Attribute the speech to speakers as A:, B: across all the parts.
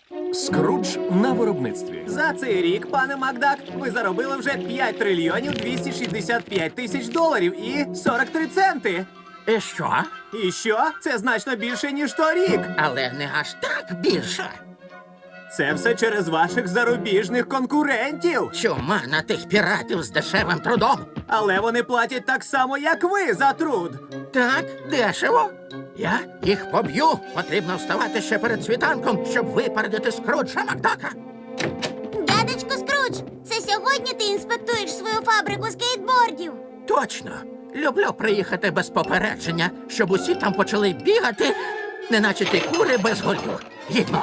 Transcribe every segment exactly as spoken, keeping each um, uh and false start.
A: Скрудж на виробництві.
B: За цей рік, пане Макдак, ви заробили вже п'ять трильйонів двісті шістдесят п'ять тисяч доларів і сорок три центи.
C: І що?
B: І що? Це значно більше, ніж торік.
C: Але не аж так більше.
B: Це все через ваших зарубіжних конкурентів.
C: Чума на тих піратів з дешевим трудом.
B: Але вони платять так само, як ви за труд.
C: Так, дешево. Я їх поб'ю. Потрібно вставати ще перед світанком, щоб випередити Скруджа Макдака.
D: Дядечко Скрудж, це сьогодні ти інспектуєш свою фабрику скейтбордів?
C: Точно. Люблю приїхати без попередження, щоб усі там почали бігати, неначе ті кури без голів. Їдьмо.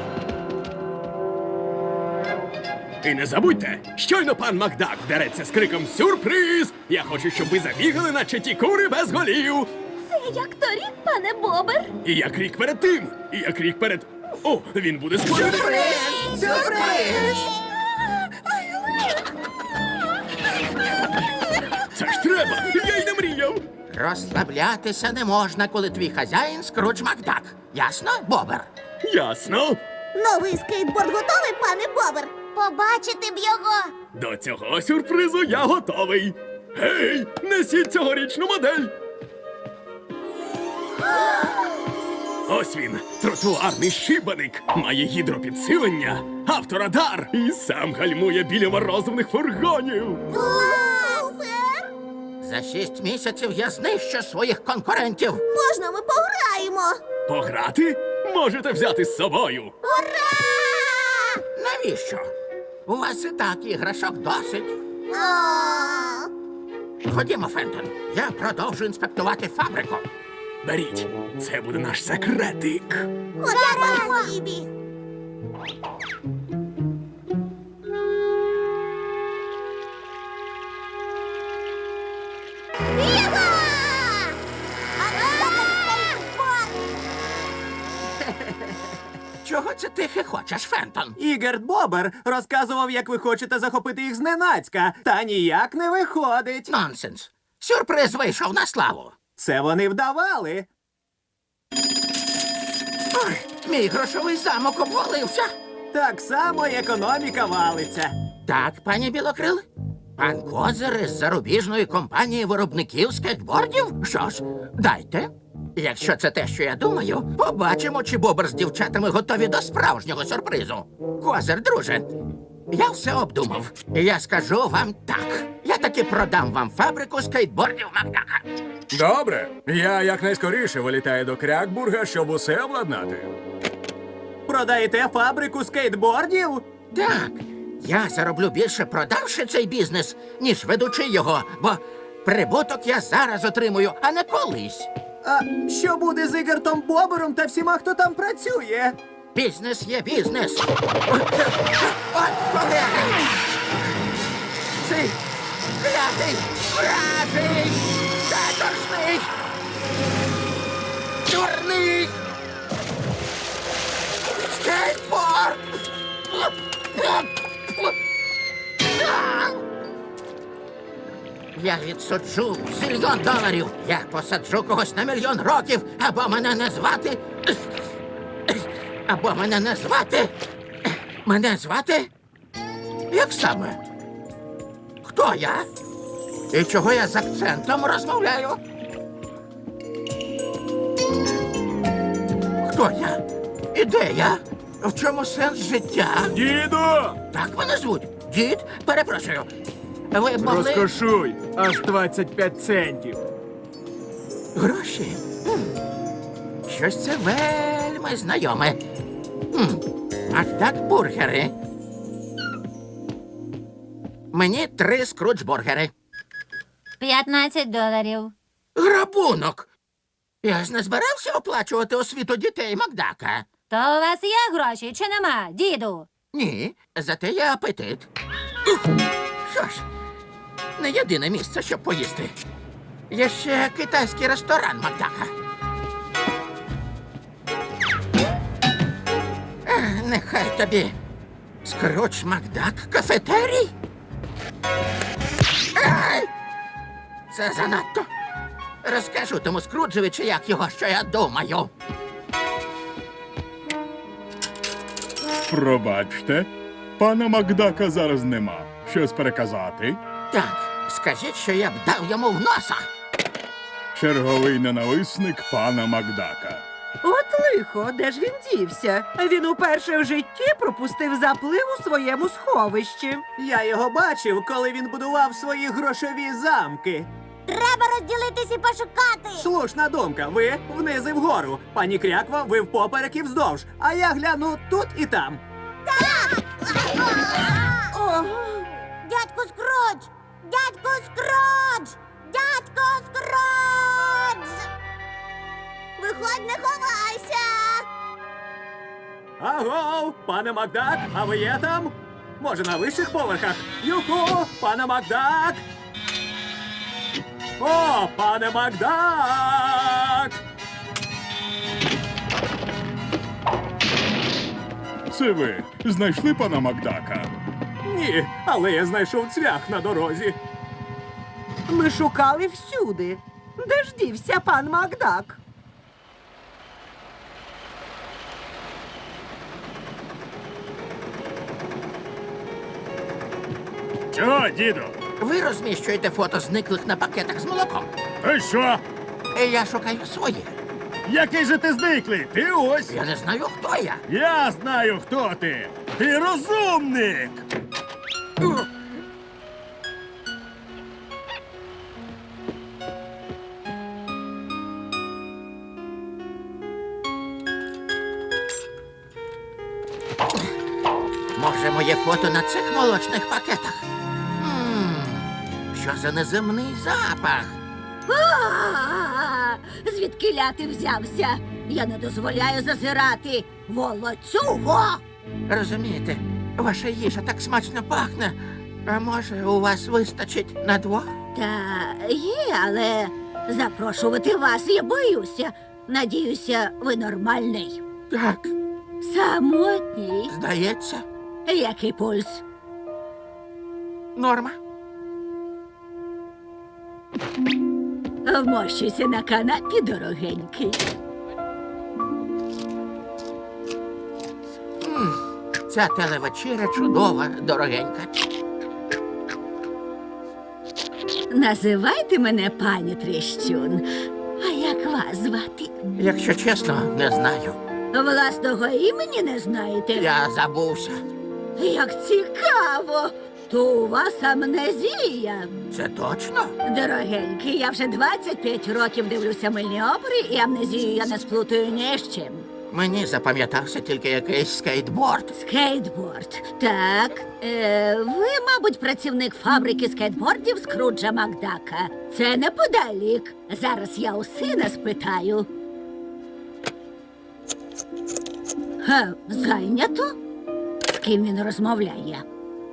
E: І не забудьте, щойно пан Макдак вдареться з криком «Сюрприз!», я хочу, щоб ви забігали, наче ті кури без голів.
D: Це як торік, пане Бобер.
E: І як рік перед тим, і як рік перед... О, він буде скоро.
C: Сюрприз!
E: Це ж треба, я й не мріяв.
C: Розслаблятися не можна, коли твій хазяїн Скрудж Макдак. Ясно, Бобер?
E: Ясно.
D: Новий скейтборд готовий, пане Бобер? Побачити б його.
E: До цього сюрпризу я готовий. Гей, несіть цьогорічну модель. Ось він, тротуарний шибаник, має гідропідсилення, авторадар і сам гальмує біля морозивних фургонів.
D: Супер!
C: За шість місяців я знищу своїх конкурентів.
D: Можна ми пограємо?
E: Пограти? Можете взяти з собою.
D: Ура!
C: Навіщо? У вас і так іграшок досить.
D: А,
C: Ходімо, Фентон. Я продовжу інспектувати фабрику.
E: Беріть, це буде наш секретик.
D: Ура, спасибі! Єва!
C: Чого це ти хихочеш, Фентон?
B: Ігерт Бобер розказував, як ви хочете захопити їх зненацька, та ніяк не виходить.
C: Нонсенс. Сюрприз вийшов на славу.
B: Це вони вдавали.
C: Ой, мій грошовий замок обвалився.
B: Так само й економіка валиться.
C: Так, пані Білокрил? Пан Козир із зарубіжної компанії виробників скейтбордів? Що ж, дайте. Якщо це те, що я думаю, побачимо, чи Бобер з дівчатами готові до справжнього сюрпризу. Козир, друже, я все обдумав. І я скажу вам так. Я таки продам вам фабрику скейтбордів Макдака.
A: Добре. Я якнайскоріше вилітаю до Крякбурга, щоб усе обладнати.
B: Продаєте фабрику скейтбордів?
C: Так, я зароблю більше, продавши цей бізнес, ніж ведучи його, бо прибуток я зараз отримую, а не колись.
B: А що буде з Ігертом Бобером та всіма, хто там працює?
C: Бізнес є бізнес. От колеги! Цей клятий, вражий, каторжний, дурний скейтборд! Я відсуджу зільйон доларів. Я посаджу когось на мільйон років, або мене не звати. Або мене не звати. Мене звати? Як саме? Хто я? І чого я з акцентом розмовляю? Хто я? І де я? В чому сенс життя?
A: Діду!
C: Так мене звуть. Дід, перепрошую. Ви могли...
A: Розкошуй! Аж двадцять п'ять центів.
C: Гроші? Хм. Щось це вельми знайоме. Хм. Ах так, бургери. Мені три скрудж-бургери.
D: п'ятнадцять доларів.
C: Грабунок. Я ж не збирався оплачувати освіту дітей Макдака.
D: То у вас є гроші чи нема, діду?
C: Ні, зате є апетит. Ух. Що ж, не єдине місце, щоб поїсти. Є ще китайський ресторан Макдака. Ех, нехай тобі. Скрудж Макдак кафетерій? Ай! Це занадто. Розкажу тому Скруджеві, чи як його, що я думаю.
F: Пробачте, пана Макдака зараз нема. Щось переказати?
C: Так, скажіть, що я б дав йому в носа.
F: Черговий ненависник пана Макдака.
G: От лихо, де ж він дівся? Він уперше в житті пропустив заплив у своєму сховищі.
B: Я його бачив, коли він будував свої грошові замки.
D: Треба розділитись і пошукати.
B: Слушна думка. Ви вниз і вгору. Пані Кряква, ви впоперек і вздовж. А я гляну тут і там.
G: О,
D: Дядько Скрудж! Дядько Скрудж! Дядько Скрудж! Виходь, не ховайся!
B: Агов, пане Макдак, а ви є там? Може, на вищих поверхах? Юху, пане Макдак! О, пане Макдак!
F: Це ви знайшли пана Макдака?
B: Ні, але я знайшов цвях на дорозі.
G: ми шукали всюди. Де ж дівся пан Макдак?
F: Чого, діду?
C: Ви розміщуєте фото зниклих на пакетах з молоком.
F: Ти що?
C: І я шукаю своє.
F: Який же ти зниклий? Ти ось.
C: Я не знаю, хто я.
F: Я знаю, хто ти. Ти розумник.
C: Може, моє фото на цих молочних пакетах? М, Що за неземний запах?
D: Звідкиля ти взявся? Я не дозволяю зазирати. Волоцюго!
C: Розумієте, ваша їжа так смачно пахне. А може, у вас вистачить на двох?
D: Та є, але запрошувати вас я боюся. Надіюся, ви нормальний.
C: Так,
D: Самотній.
C: здається,
D: Який пульс?
C: норма.
D: Вмощуйся на канапі, дорогенький.
C: Ця телевечеря чудова, дорогенька.
D: Називайте мене пані Тріщун. А як вас звати?
C: Якщо чесно, не знаю.
D: Власного імені не знаєте?
C: Я забувся.
D: Як цікаво! То у вас амнезія.
C: Це точно?
D: Дорогенький, я вже двадцять п'ять років дивлюся мильні опери, і амнезію я не сплутаю ні з чим.
C: Мені запам'ятався тільки якийсь скейтборд.
D: Скейтборд. Так. Е, ви, мабуть, працівник фабрики скейтбордів Скруджа Макдака. Це неподалік. Зараз я у сина спитаю. Ха, зайнято? З ким він розмовляє?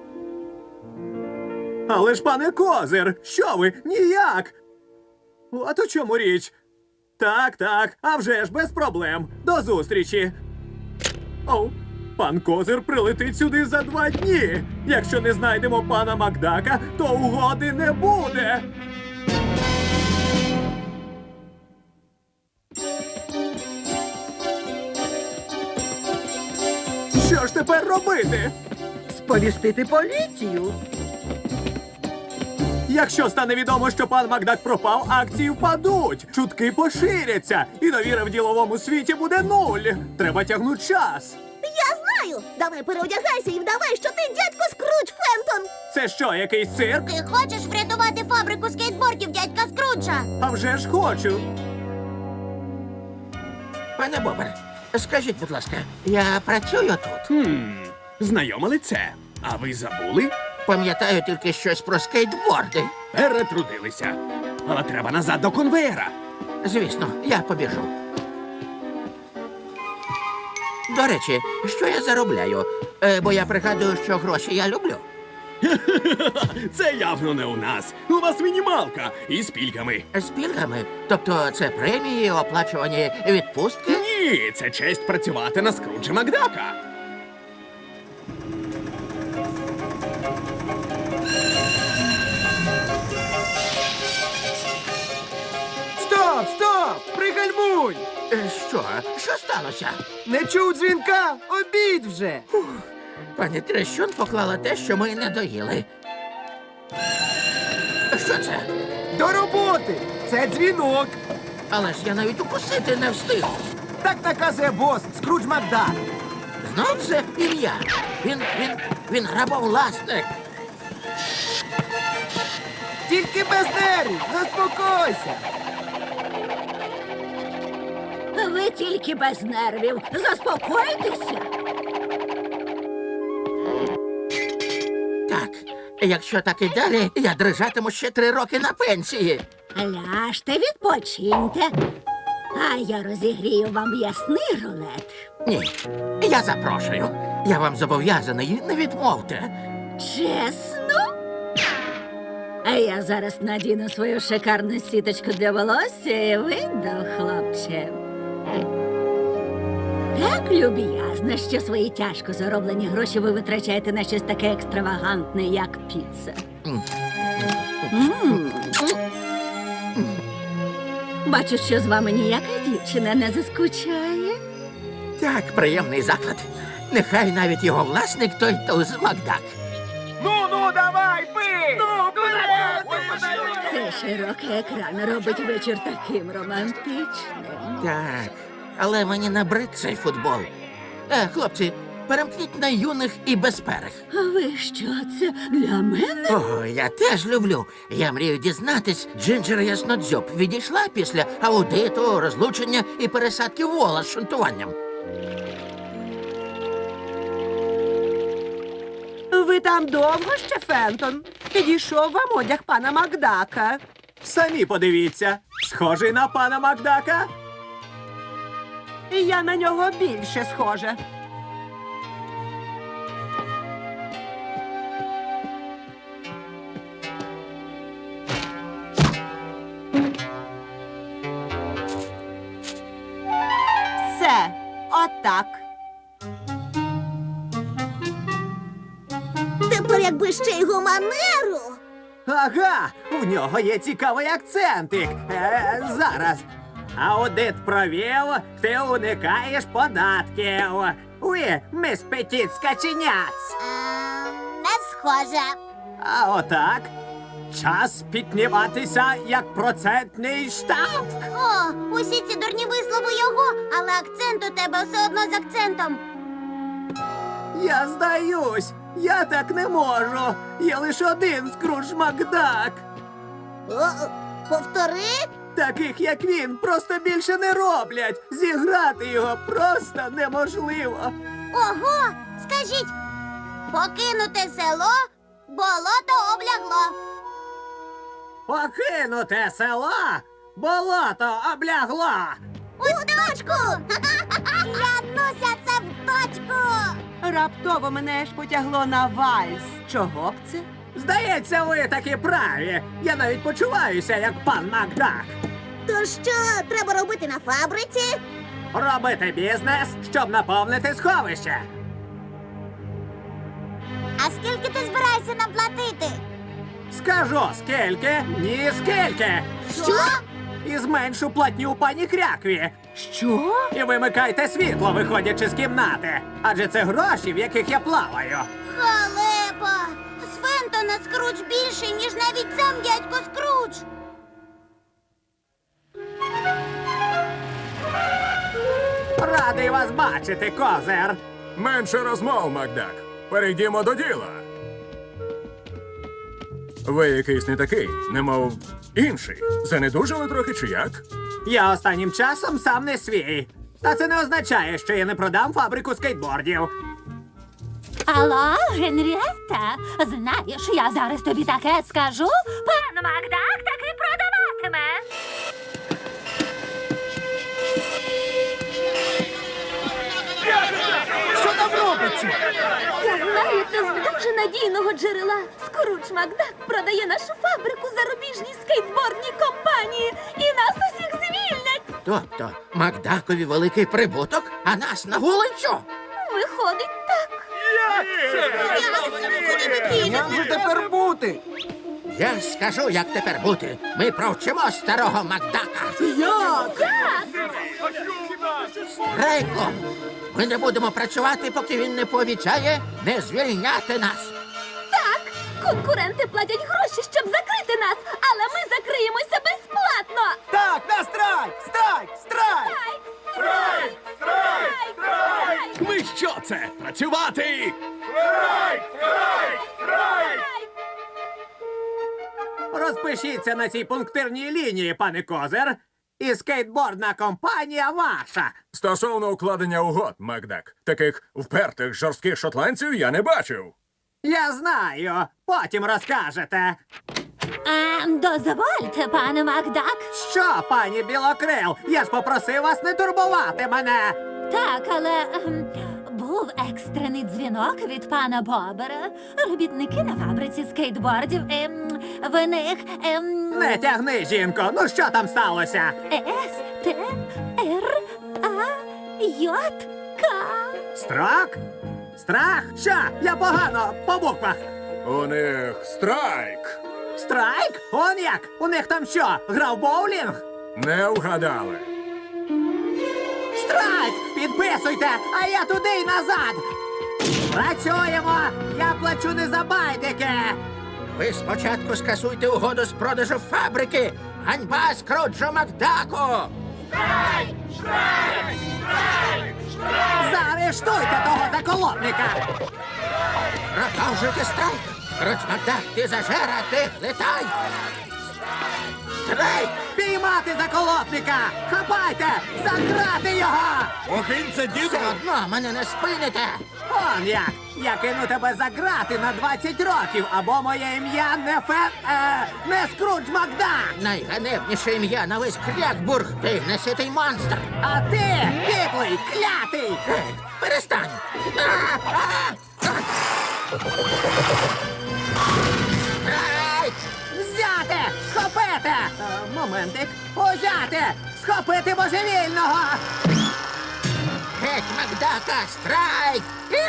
B: Але ж, пане Козир, що ви? Ніяк! От у чому річ. Так, так, а вже ж без проблем. До зустрічі. Оу, пан Козир прилетить сюди за два дні. Якщо не знайдемо пана Макдака, то угоди не буде. Що ж тепер робити?
G: Сповістити поліцію.
B: Якщо стане відомо, що пан Макдак пропав, акції впадуть, чутки поширяться, і довіра в діловому світі буде нуль. Треба тягнути час.
D: Я знаю! Давай переодягайся і вдавай, що ти дядько Скрудж Фентон!
B: Це що, якийсь цирк?
D: Ти хочеш врятувати фабрику скейтбордів дядька Скруджа?
B: А вже ж хочу.
C: Пане Бобер, скажіть, будь ласка, я працюю тут.
E: Хм, знайоме лице. А ви забули?
C: Пам'ятаю тільки щось про скейтборди.
E: Перетрудилися. Але треба назад до конвеєра.
C: Звісно, я побіжу. До речі, що я заробляю? Е, бо я пригадую, що гроші я люблю.
E: Це явно не у нас. У вас мінімалка із пільгами.
C: З пільгами? Тобто це премії, оплачувані відпустки?
E: Ні, це честь працювати на Скруджа Макдака.
B: Стоп, стоп! Пригальмуй!
C: Е, Що? Що сталося?
G: Не чув дзвінка? Обід вже.
C: Пані Трещун поклала те, що ми не доїли. Що це?
G: До роботи! Це дзвінок.
C: Але ж я навіть укусити не встиг.
G: Так наказує бос Скрудж Макдак.
C: Знов це ім'я. Він, він, він грабовласник.
G: Тільки без нервів, заспокойся.
D: Ви тільки без нервів. Заспокойтеся.
C: Так, якщо так і далі, я дрижатиму ще три роки на пенсії.
D: Ляжте, відпочиньте. А я розігрію вам м'ясний рулет.
C: Ні, я запрошую. Я вам зобов'язаний, не відмовте.
D: Чесно? А я зараз надіну свою шикарну сіточку для волосся і вийду, хлопче. Так люб'язно, що свої тяжко зароблені гроші ви витрачаєте на щось таке екстравагантне, як піца.
C: М.
D: М. Бачу, що з вами ніяка дівчина не заскучає.
C: Так, приємний заклад. Нехай навіть його власник той туз Макдак.
D: Цей широкий екран робить вечір таким романтичним.
C: Так, але мені набрид цей футбол. Е, хлопці, перемкніть на юних і безперих.
D: А ви що, це для мене?
C: О, я теж люблю. Я мрію дізнатись, Джинджер Яснодзьоб відійшла після аудиту, розлучення і пересадки вола з шунтуванням.
G: Ви там довго ще, Фентон? Підійшов вам одяг пана Макдака.
B: Самі подивіться. Схожий на пана Макдака?
G: І я на нього більше схожа. Все, отак.
H: Тепер якби ще й гуманеру.
B: Ага, в нього є цікавий акцентик. Е, зараз. Аудит провів, ти уникаєш податків. Ви, міс Петіт Скаченяц.
H: Ем, не схоже.
B: А отак. Час підніматися як процентний штраф.
H: О, усі ці дурні вислови його, але акцент у тебе все одно з акцентом.
B: Я здаюсь. Я так не можу. Є лише один Скрудж Макдак.
H: О, повтори.
B: Таких, як він, просто більше не роблять. Зіграти його просто неможливо.
H: Ого, скажіть, покинуте село, болото облягло.
B: Покинуте село, болото облягло.
H: У точку! Клянуся, це в точку!
G: Раптово мене ж потягло на вальс. Чого б це?
B: Здається, ви таки праві. Я навіть почуваюся, як пан Макдак.
H: То що треба робити на фабриці?
B: Робити бізнес, щоб наповнити сховище.
H: А скільки ти збираєшся нам платити?
B: Скажу, скільки, ні скільки.
H: Що?
B: І зменшу платню пані Крякві.
G: Що?
B: І вимикайте світло, виходячи з кімнати. Адже це гроші, в яких я плаваю.
H: Халепа! З Фентона Скрудж більший, ніж навіть сам дядько Скрудж.
B: Радий вас бачити, козир.
A: Менше розмов, Макдак. Перейдімо до діла. Ви якийсь не такий, немов інший. Занедужали трохи чи як?
B: Я останнім часом сам не свій. Та це не означає, що я не продам фабрику скейтбордів.
I: Алло, Генрієта, знаєш, я зараз тобі таке скажу. Пан Макдак таки продаватиме.
G: Що там робиться?
I: Я знаю, це з дуже надійного джерела. Скрудж Макдак продає нашу фабрику зарубіжній скейтбордній компанії. І нас усіх звільнять.
C: Тобто Макдакові великий прибуток, а нас на вулицю?
I: Виходить так.
G: Як же тепер бути?
C: Я скажу, як тепер бути. Ми провчимо старого Макдака.
G: Як?
I: Так.
C: страйком. Ми не будемо працювати, поки він не пообіцяє не звільняти нас.
I: Так, конкуренти платять гроші, щоб закрити нас, але ми закриємося безплатно.
B: Так, на страйк! Страйк! Страйк!
I: Страйк! Страйк! Страйк!
E: Ми що це? Працювати!
B: Розпишіться на цій пунктирній лінії, пане Козир. І скейтбордна компанія ваша.
A: Стосовно укладення угод, Макдак, таких впертих жорстких шотландців я не бачив.
B: Я знаю. Потім розкажете.
I: А, дозвольте, пане Макдак.
B: Що, пані Білокрил? Я ж попросив вас не турбувати мене.
I: Так, але ем, був екстрений дзвінок від пана Бобера. Робітники на фабриці скейтбордів. Ем, в них ем,
B: Не тягни, жінко. Ну що там сталося?
I: С, Т, Р, А, Й, К.
B: Страх? Страх? Що? Я погано по буквах.
A: У них страйк.
B: Страйк? Он як? У них там що? Гра в боулінг?
A: Не вгадали.
B: Страйк! Підписуйте, а я туди й назад. Працюємо! Я плачу не за байдики.
C: Ви спочатку скасуйте угоду з продажу фабрики. Ганьба Скруджу Макдаку!
B: Заарештуйте того заколотника.
C: Продовжуйте страйк! Скрудж Макдак, ти зажера, ти летай! Страйк!
B: Піймати заколотника! Хапайте! Заграти його!
F: Охинця, діду!
C: Все одно мене не спините!
B: Он як! Я кину тебе за грати на двадцять років, або моє ім'я не фе... Е, не Скрудж Макдак!
C: Найганебніше ім'я на весь Крякбург, ти неситий монстр!
B: А ти, підлий, клятий!
C: Ей, перестань! А, а, а. Страйк!
B: Взяти! Схопити! Е, моментик. Узяти! Схопити божевільного!
C: Геть Макдака! Страйк!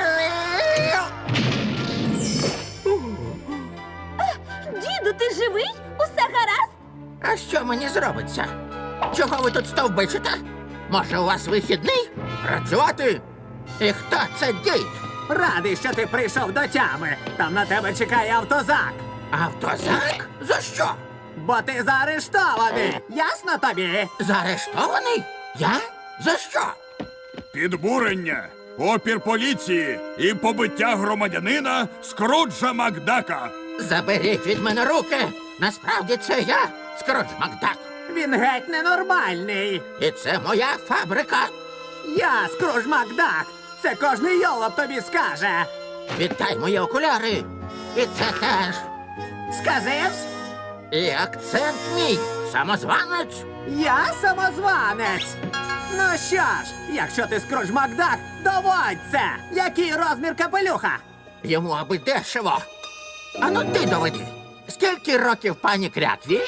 I: Діду, ти живий? Усе гаразд?
C: А що мені зробиться? Чого ви тут стовбичите? Може, у вас вихідний? Працювати? І хто це дід?
B: Радий, що ти прийшов до тями. Там на тебе чекає автозак.
C: Автозак? За що?
B: Бо ти заарештований. Ясно тобі?
C: Заарештований? Я? За що?
F: Підбурення, опір поліції і побиття громадянина Скруджа Макдака.
C: Заберіть від мене руки! Насправді це я, Скрудж Макдак.
B: Він геть ненормальний.
C: І це моя фабрика.
B: Я Скрудж Макдак. Це кожний йолоп тобі скаже.
C: Віддай мої окуляри. І це теж.
B: Сказивсь?
C: І акцент мій. Самозванець.
B: Я самозванець. Ну що ж, якщо ти Скрудж Макдак, доводь це. Який розмір капелюха?
C: Йому аби дешево. Ану ти доведи. Скільки років пані Крякві?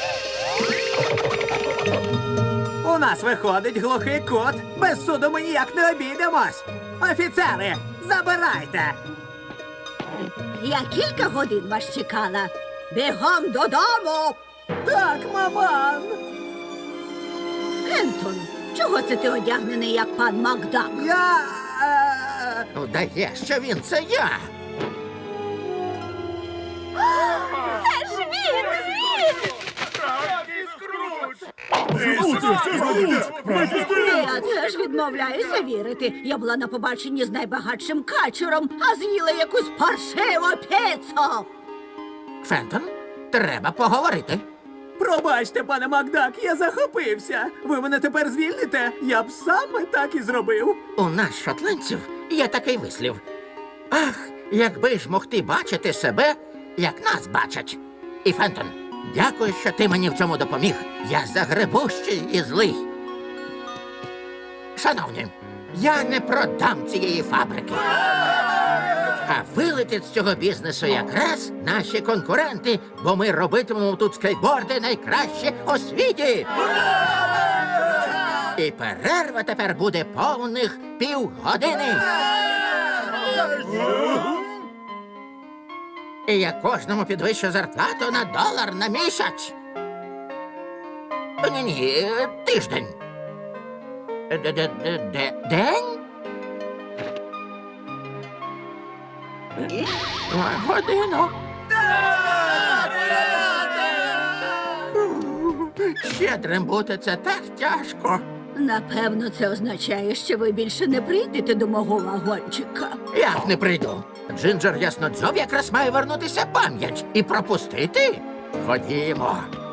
B: У нас виходить глухий кут. Без суду ми ніяк не обійдемось. Офіцери, забирайте.
D: Я кілька годин вас чекала. Бігом додому.
B: Так, маман.
D: Ентон, чого це ти одягнений, як пан Макдак?
B: Я... Е...
C: Вдає, що він це я.
I: Це ж він! Він!
D: Я теж відмовляюся вірити. Я була на побаченні з найбагатшим качером, а з'їла якусь паршиву піцу.
C: Фентон, треба поговорити.
B: Пробачте, пане Макдак, я захопився. Ви мене тепер звільните? Я б саме так і зробив.
C: У нас, шотландців, є такий вислів. Ах, якби ж мог ти бачити себе, як нас бачать. І, Фентон, дякую, що ти мені в цьому допоміг. Я загребущий і злий. Шановні, я не продам цієї фабрики. А вилетять з цього бізнесу якраз наші конкуренти, бо ми робитимемо тут скейтборди найкраще у світі. І перерва тепер буде повних півгодини. І я кожному підвищу зарплату на долар на місяць. Ні-ні, тиждень. Де-де-де-де- День? Годину. Щедрим бути це так тяжко.
D: Напевно, це означає, що ви більше не прийдете до мого вагончика.
C: Як не прийду? Джинджер Яснодзьоб якраз має вернутися пам'ять і пропустити. Ходімо.